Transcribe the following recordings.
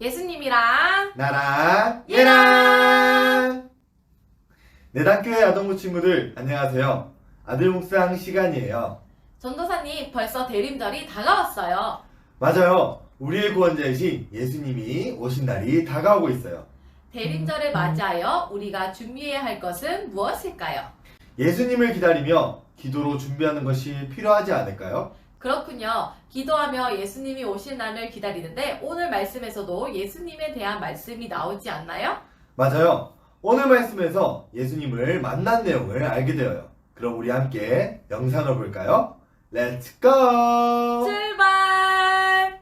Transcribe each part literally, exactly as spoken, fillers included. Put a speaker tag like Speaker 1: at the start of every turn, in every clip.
Speaker 1: 예수님이랑
Speaker 2: 나랑 얘랑 내단교회 아동부 친구들 안녕하세요. 아들 묵상 시간이에요.
Speaker 1: 전도사님 벌써 대림절이 다가왔어요.
Speaker 2: 맞아요. 우리의 구원자이신 예수님이 오신 날이 다가오고 있어요.
Speaker 1: 대림절을 맞이하여 우리가 준비해야 할 것은 무엇일까요?
Speaker 2: 예수님을 기다리며 기도로 준비하는 것이 필요하지 않을까요?
Speaker 1: 그렇군요. 기도하며 예수님이 오실 날을 기다리는데 오늘 말씀에서도 예수님에 대한 말씀이 나오지 않나요?
Speaker 2: 맞아요. 오늘 말씀에서 예수님을 만난 내용을 알게 되어요. 그럼 우리 함께 영상을 볼까요? 렛츠 고!
Speaker 1: 출발!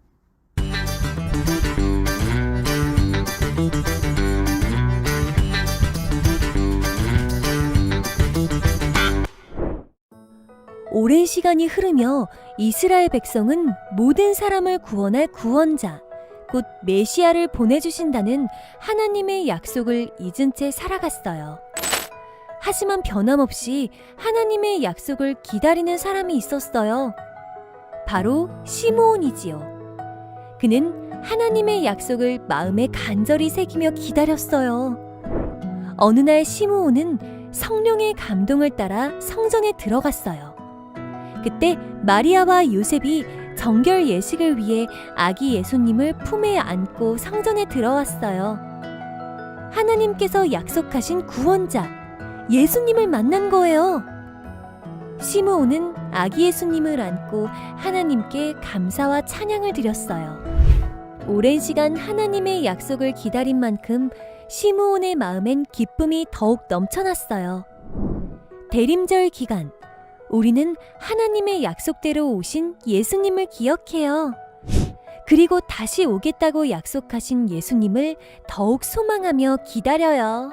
Speaker 3: 오랜 시간이 흐르며 이스라엘 백성은 모든 사람을 구원할 구원자, 곧 메시아를 보내주신다는 하나님의 약속을 잊은 채 살아갔어요. 하지만 변함없이 하나님의 약속을 기다리는 사람이 있었어요. 바로 시므온이지요. 그는 하나님의 약속을 마음에 간절히 새기며 기다렸어요. 어느 날 시므온은 성령의 감동을 따라 성전에 들어갔어요. 그때 마리아와 요셉이 정결 예식을 위해 아기 예수님을 품에 안고 성전에 들어왔어요. 하나님께서 약속하신 구원자, 예수님을 만난 거예요. 시므온은 아기 예수님을 안고 하나님께 감사와 찬양을 드렸어요. 오랜 시간 하나님의 약속을 기다린 만큼 시므온의 마음엔 기쁨이 더욱 넘쳐났어요. 대림절 기간, 우리는 하나님의 약속대로 오신 예수님을 기억해요. 그리고 다시 오겠다고 약속하신 예수님을 더욱 소망하며 기다려요.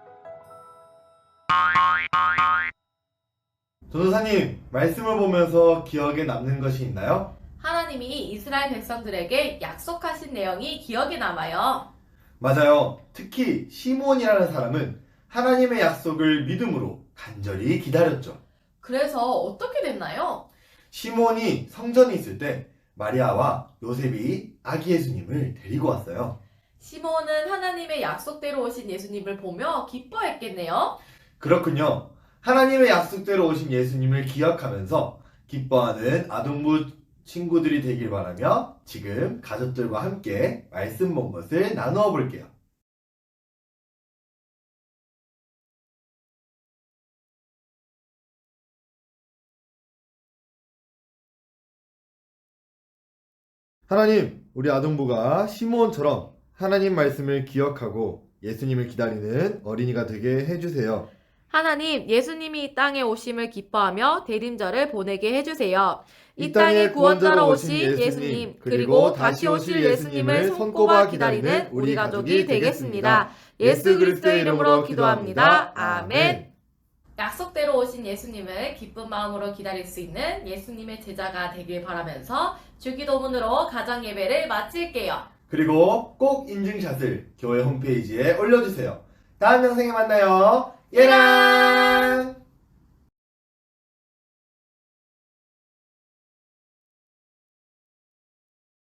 Speaker 2: 전도사님, 말씀을 보면서 기억에 남는 것이 있나요?
Speaker 1: 하나님이 이스라엘 백성들에게 약속하신 내용이 기억에 남아요.
Speaker 2: 맞아요. 특히 시므온이라는 사람은 하나님의 약속을 믿음으로 간절히 기다렸죠.
Speaker 1: 그래서 어떻게 됐나요?
Speaker 2: 시므온이 성전에 있을 때 마리아와 요셉이 아기 예수님을 데리고 왔어요.
Speaker 1: 시므온은 하나님의 약속대로 오신 예수님을 보며 기뻐했겠네요.
Speaker 2: 그렇군요. 하나님의 약속대로 오신 예수님을 기억하면서 기뻐하는 아동부 친구들이 되길 바라며 지금 가족들과 함께 말씀 본 것을 나누어 볼게요. 하나님, 우리 아동부가 시므온처럼 하나님 말씀을 기억하고 예수님을 기다리는 어린이가 되게 해주세요.
Speaker 1: 하나님, 예수님이 이 땅에 오심을 기뻐하며 대림절을 보내게 해주세요.
Speaker 2: 이 땅에 구원자로 오신 예수님, 그리고 다시 오실 예수님을 손꼽아 기다리는 우리 가족이 되겠습니다. 예수 그리스도의 이름으로 기도합니다. 아멘.
Speaker 1: 약속대로 오신 예수님을 기쁜 마음으로 기다릴 수 있는 예수님의 제자가 되길 바라면서 주기도문으로 가정 예배를 마칠게요.
Speaker 2: 그리고 꼭 인증샷을 교회 홈페이지에 올려주세요. 다음 영상에 만나요. 예랑!